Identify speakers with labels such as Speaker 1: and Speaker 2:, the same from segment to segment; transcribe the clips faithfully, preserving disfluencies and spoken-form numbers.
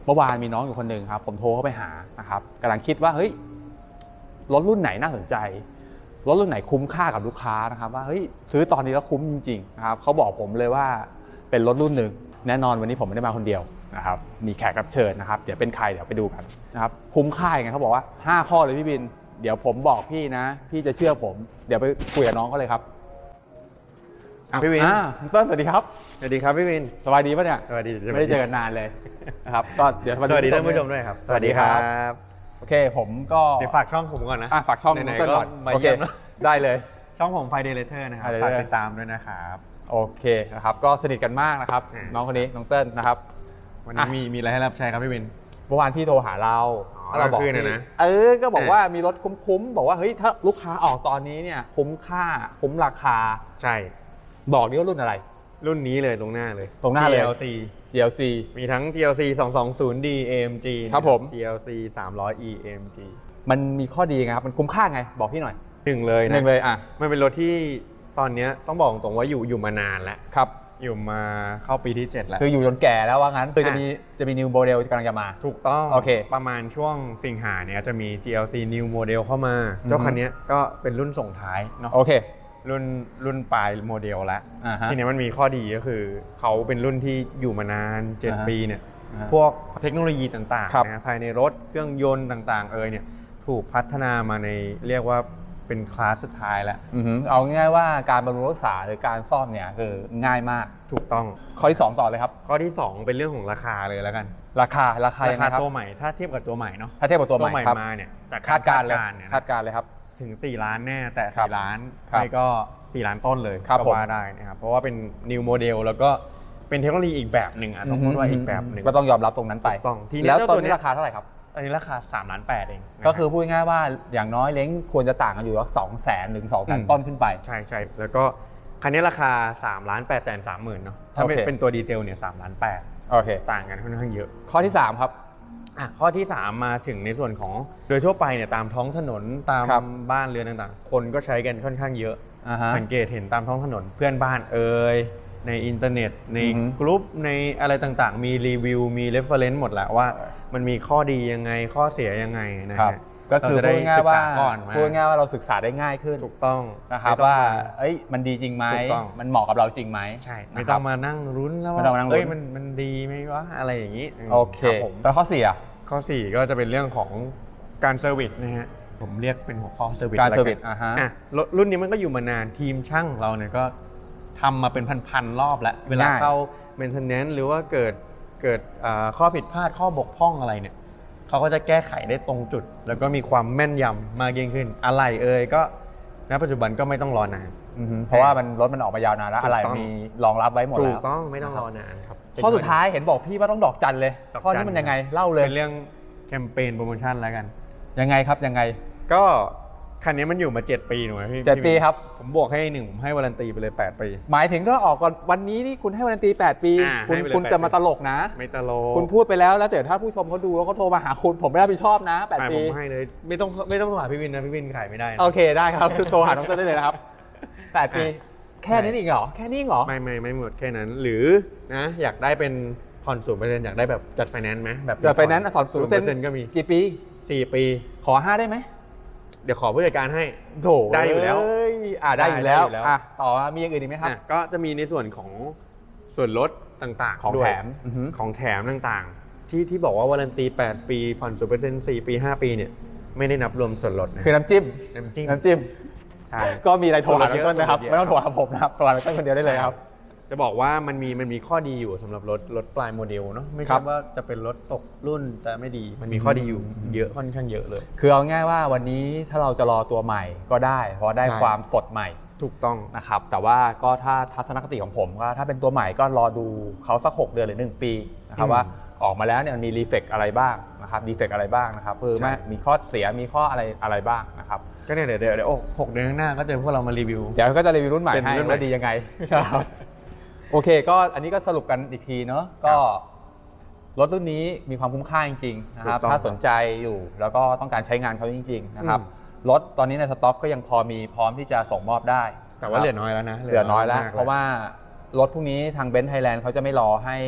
Speaker 1: เมื่อวานมีน้องอยู่คนหนึ่งครับผมโทรเข้าไปหานะครับกำลังคิดว่าเฮ้ยรถรุ่นไหนน่าสนใจรถรุ่นไหนคุ้มค่ากับลูกค้านะครับว่าเฮ้ยซื้อตอนนี้แล้วคุ้มจริงๆนะครับเขาบอกผมเลยว่าเป็นรถรุ่นหนึ่งแน่นอนวันนี้ผมไม่ได้มาคนเดียวนะครับมีแขกรับเชิญนะครับเดี๋ยวเป็นใครเดี๋ยวไปดูกันนะครับคุ้มค่ายังไงเขาบอกว่าห้าข้อเลยพี่บินเดี๋ยวผมบอกพี่นะพี่จะเชื่อผมเดี๋ยวไปคุยกับน้องเขาเลยครับ
Speaker 2: พี่วิน
Speaker 1: คุณต้นสวัสดีครับ
Speaker 2: สวัสดีครับพี่วิน
Speaker 1: สบายดีป่ะเนี่ย
Speaker 2: สวัสดี
Speaker 1: ไม่ได้เจอกันนานเลยนะครับก็เดี๋ยว
Speaker 2: สวัสดีท่านผู้ชมด้วยครับ
Speaker 1: สวัสดีครับโอเคผมก็
Speaker 2: เดี๋ยวฝากช่องผมก่อนนะ
Speaker 1: ฝากช่องต้นก่อนโอเคได้เลย
Speaker 2: ช่องผมไฟเดเลเตอร์นะครับฝากติดตามด้วยนะครับ
Speaker 1: โอเคนะครับก็สนิทกันมากนะครับน้องคนนี้น้องเติ้ลนะครับ
Speaker 2: วันนี้มีมีอะไรให้รับใช้ครับพี่วิน
Speaker 1: เมื่อวานพี่โทรหาเรา
Speaker 2: เราบอกนะ
Speaker 1: เออก็บอกว่ามีรถคุ้มๆบอกว่าเฮ้ยถ้าลูกค้าออกตอนนี้เนี่ยคุ้มค่าคุ้มราคา
Speaker 2: ใช่
Speaker 1: บอกนี่ว่ารุ่นอะไร
Speaker 2: รุ่นนี้เลยตรงหน้าเลย
Speaker 1: ตรงหน้าเลย
Speaker 2: จี แอล ซี
Speaker 1: จี แอล ซี
Speaker 2: มีทั้ง จี แอล ซี สองสองศูนย์ ดี เอ เอ็ม จี
Speaker 1: ครับผม
Speaker 2: จี แอล ซี สามร้อย อี เอ็ม จี
Speaker 1: มันมีข้อดีไงครับมันคุ้มค่าไงบอกพี่หน่อย
Speaker 2: หนึ่งเลยนะ
Speaker 1: หนึ่งเลยอ่ะ
Speaker 2: มันเป็นรถที่ตอนนี้ต้องบอกตรงว่าอยู่อยู่มานานแล้ว
Speaker 1: ครับ
Speaker 2: อยู่มาเข้าปีที่เจ็ดแล้ว
Speaker 1: คืออยู่จนแก่แล้วว่างั้นคือจะมีจะมี new model กำลังจะมา
Speaker 2: ถูกต้อง
Speaker 1: โอเค
Speaker 2: ประมาณช่วงสิงหาเนี่ยจะมี จี แอล ซี new model เข้ามาเจ้าคันนี้ก็เป็นรุ่นส่งท้ายเนาะ
Speaker 1: โอเค
Speaker 2: รุ่นรุ่นปลายโมเดลแล้วทีนี้มันมีข้อดีก็คือเขาเป็นรุ่นที่อยู่มานานเจ็ดปีเนี่ยพวกเทคโนโลยีต่างๆนะภายในรถเครื่องยนต์ต่างๆเอยเนี่ยถูกพัฒนามาในเรียกว่าเป็นคลาสสุดท้ายแล้ว
Speaker 1: เอาง่ายๆว่าการบำรุงรักษาหรือการซ่อมเนี่ยคือง่ายมาก
Speaker 2: ถูกต้อง
Speaker 1: ข้อที่สองต่อเลยครับ
Speaker 2: ข้อที่สองเป็นเรื่องของราคาเลยแล้วกัน
Speaker 1: ราคาราคา
Speaker 2: ราคาตัวใหม่ถ้าเทียบกับตัวใหม่เนาะ
Speaker 1: ถ้าเทียบกับตัวใหม่
Speaker 2: มาเนี่ย
Speaker 1: จากคาดการณ์เลยคาดการณ์เลยครับ
Speaker 2: ถึงสี่ล้านแน่แต่สี่ล้านไม่ก็สี่ล้านต้นเลยก็ว่าได้นะครับเพราะว่าเป็น new model แล้วก็เป็นเทคโนโลยีอีกแบบหนึ่งอ่ะต้องพูดว่าอีกแบบหนึ่ง
Speaker 1: ก็ต้องยอมรับตรงนั้นไป
Speaker 2: ต้อง
Speaker 1: แล้วตอนนี้ราคาเท่าไหร่ครับ
Speaker 2: อันนี้ราคาสามล้านแปดเอง
Speaker 1: ก็คือพูดง่ายว่าอย่างน้อยเล้งควรจะต่างกันอยู่ว่าสองแสนถึงสองแสนต้นขึ้นไป
Speaker 2: ใช่ใช่แล้วก็คันนี้ราคาสามล้านแปดแสนสามหมื่นเนาะถ้าเป็นตัวดีเซลเนี่ยสามล้านแปด
Speaker 1: โอเค
Speaker 2: ต่างกันค่อนข้างเยอะ
Speaker 1: ข้อที่สามครับ
Speaker 2: อ่ะข้อที่สามมาถึงในส่วนของโดยทั่วไปเนี่ยตามท้องถนนตามบ้านเรือนต่างๆคนก็ใช้กันค่อนข้างเยอะสังเกตเห็นตามท้องถนนเพื่อนบ้านเอ่ยในอินเทอร์เน็ตในกลุ่มในอะไรต่างๆมีรีวิวมีเรฟเฟอเรนซ์หมดแหละว่ามันมีข้อดียังไงข้อเสียยังไงนะฮะ
Speaker 1: ก็คือพูดง่ายว่าพูดง่ายว่าเราศึกษาได้ง่ายขึ้น
Speaker 2: ถูกต้อง
Speaker 1: นะครับว่าเอ้ยมันดีจริงไหมมันเหมาะกับเราจริงไหม
Speaker 2: ใช่ไม่ต้องมานั่งรุ้นแล้วว่าเอ้ยมันมันดีไหมวะอะไรอย่างนี้
Speaker 1: โอเคแล้วข้อสี่อ่ะ
Speaker 2: ข้อสี่ก็จะเป็นเรื่องของการเซอร์วิสนะฮะผมเรียกเป็นหัวข้อเซอร์วิส
Speaker 1: การเซอร์วิสอ่ะฮะ
Speaker 2: รุ่นนี้มันก็อยู่มานานทีมช่างเราเนี่ยก็ทำมาเป็นพันๆรอบแล้วเวลาเข้า maintenance หรือว่าเกิดเกิดข้อผิดพลาดข้อบกพร่องอะไรเนี่ยเขาก็จะแก้ไขได้ตรงจุดแล้วก็มีความแม่นยำมากยิ่งขึ้นอะไรเอ่ยก็ณปัจจุบันก็ไม่ต้องรอนาน
Speaker 1: เพราะว่ามันรถมันออกมายาวนานแล้วอะไรมีรองรับไว้หมดแล้ว
Speaker 2: ถูกต้องไม่ต้องรอนานครับ
Speaker 1: ข้อสุดท้ายเห็นบอกพี่ว่าต้องดอกจันเลยข้อนี้มันยังไงเล่าเลย
Speaker 2: เป็นเรื่องแคมเปญโปรโมชั่นแล้วกัน
Speaker 1: ยังไงครับยังไง
Speaker 2: ก็คันนี้มันอยู่มาเจ็ดปีหนูไหมพี่
Speaker 1: เจ็ดปีครับ
Speaker 2: ผมบวกให้หนึ่งผมให้วารันตีไปเลยแปดปี
Speaker 1: หมายถึงถ้าออกก่อนวันนี้นี่คุณให้วารันตีแปดปีคุณคุณจะมาตลกนะ
Speaker 2: ไม่ตลก
Speaker 1: คุณพูดไปแล้วแล้วแต่ถ้าผู้ชมเขาดูแล้วเขาโทรมาหาคุณผมไม่รับผิดชอบนะแปดปี
Speaker 2: ผมให้เลยไม่ต้องไม่ต้องโทรหาพี่วินนะพี่วินขายไม่ได้
Speaker 1: โอเคได้ครับโทรหาน้องเต้นได้เลยนะครับแปดปีแค่นี้อีกเหรอแค่นี้เหรอ
Speaker 2: ไม่ไม่ไม่หมดแค่นั้นหรือนะอยากได้เป็นผ่อนศูนย์เปอร์เซ็นต์อยากได้แบบจัดไฟแนนซ์ไหม
Speaker 1: แบบจัดไฟแนนซ์ผ่อนศูนย์เปอร์เซ็นต์
Speaker 2: ก็มี
Speaker 1: กี่ปี
Speaker 2: สี่ปี
Speaker 1: ขอห้าได้ไหม
Speaker 2: เดี๋ยวขอผู้จัดการให้
Speaker 1: โถ
Speaker 2: ได้อยู่แล้ว
Speaker 1: อ่าได้อยู่แล้วอ่ะต่อมีอย่างอื่นอีกไหมครับ
Speaker 2: ก็จะมีในส่วนของส่วนลดต่างๆ
Speaker 1: ของแถม
Speaker 2: ของแถมต่างๆที่ที่บอกว่าวารันตีแปดปีผ่อนศูนย์เปอร์เซ็นต์สี่ปีห้าปีเนี่ยไม่ได้นับรวมส่วนลด
Speaker 1: คือน้ำจิ้ม
Speaker 2: น้ำจิ้ม
Speaker 1: น้ำจิ้มใช่ก็มีอะไรโทรหาต้นนะครับไม่ต้องโทรหาผมนะครับโทรหาต้นคนเดียวได้เลยครับ
Speaker 2: จะบอกว่ามันมีมันมีข้อดีอยู่สำหรับรถรถปลายโมเดลเนาะไม่ใช่ว่าจะเป็นรถตกรุ่นแต่ไม่ดีมันมีข้อดีอยู่เยอะค่อนข้างเยอะเลย
Speaker 1: คือเอาง่ายว่าวันนี้ถ้าเราจะรอตัวใหม่ก็ได้เพราะได้ความสดใหม่
Speaker 2: ถูกต้อง
Speaker 1: นะครับแต่ว่าก็ถ้าทัศนคติของผมก็ถ้าเป็นตัวใหม่ก็รอดูเขาสักหกเดือนหรือหนึ่งปีนะครับว่าออกมาแล้วเนี่ยมันมีรีเฟกอะไรบ้างนะครับดีเฟกอะไรบ้างนะครับคือมีข้อเสียมีข้ออะไรอะไรบ้างนะครับ
Speaker 2: ก็เนี่ยเดี๋ยวเดี๋ยวหกเดือนข้างหน้าก็เจอพวกเรามารีวิว
Speaker 1: เดี๋ยวก็จะรีวิวรุ่นใหม่ให้ว่าดียังไงโอเคก็อันนี้ก็สรุปกันอีกทีเนาะก็รถรุ่นนี้มีความคุ้มค่าจริงๆนะครับถ้าสนใจอยู่แล้วก็ต้องการใช้งานเขาจริงๆนะครับรถตอนนี้ในสต็อกก็ยังพอมีพร้อมที่จะส่งมอบได้
Speaker 2: แต่ว่าเหลือน้อยแล้วนะ
Speaker 1: เหลือน้อยแล้วเพราะว่ารถพวกนี้ทางเบนซ์ไทยแลนด์เขาจะไม่รอให้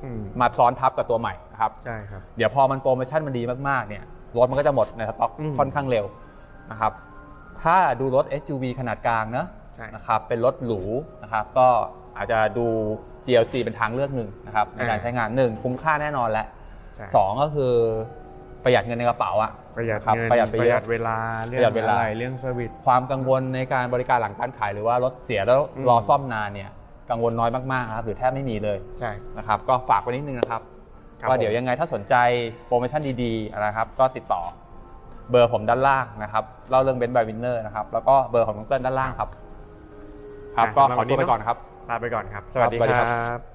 Speaker 2: อืม
Speaker 1: มาซ้อนทับกับตัวใหม่นะครับ
Speaker 2: ใช่ครับ
Speaker 1: เดี๋ยวพอมันโปรโมชั่นมันดีมากๆเนี่ยรถมันก็จะหมดในสต็อก
Speaker 2: อืม
Speaker 1: ค่อนข้างเร็วนะครับถ้าดูรถ เอส ยู วี ขนาดกลางเนอะ
Speaker 2: ใช่
Speaker 1: นะครับเป็นรถหรูนะครับก็อาจจะดู จี แอล ซี เป็นทางเลือกหนึ่งนะครับในการใช้งานหนึ่งคุ้มค่าแน่นอนและ
Speaker 2: ใช่
Speaker 1: สองก็คือประหยัดเงินในกระเป๋าอะ
Speaker 2: ประหยัด
Speaker 1: ครับ
Speaker 2: เงิน
Speaker 1: ประหยัดไป
Speaker 2: ประ
Speaker 1: เย
Speaker 2: หยั
Speaker 1: อะ
Speaker 2: ดเวลาเรื่
Speaker 1: ประหยั
Speaker 2: อง
Speaker 1: ดเวลา
Speaker 2: อะไรเรื่องเซอร์วิส
Speaker 1: ความกังวลในการบริการหลังการขายหรือว่ารถเสียแล้ว
Speaker 2: อืม
Speaker 1: รอซ่อมนานเนี่ยกังวลน้อยมากๆครับหรือแทบไม่มีเลย
Speaker 2: ใช่
Speaker 1: นะครับก็ฝากไว้นิดนึงนะครับ
Speaker 2: ครับ
Speaker 1: ก็เดี๋ยวยังไงถ้าสนใจโปรโมชั่นดีๆนะครับก็ติดต่อเบอร์ผมด้านล่างนะครับเล่าเรื่องเบนซ์บายวินเนอร์นะครับแล้วก็เบอร์ของน้องเติ้ลด้านล่างครับครับก็ขอตัวไปก่อนครับ
Speaker 2: ลาไปก่อนครับ ส
Speaker 1: ครั
Speaker 2: วั
Speaker 1: บ
Speaker 2: สดี
Speaker 1: สวัสดี
Speaker 2: ค
Speaker 1: ครั
Speaker 2: รับ บ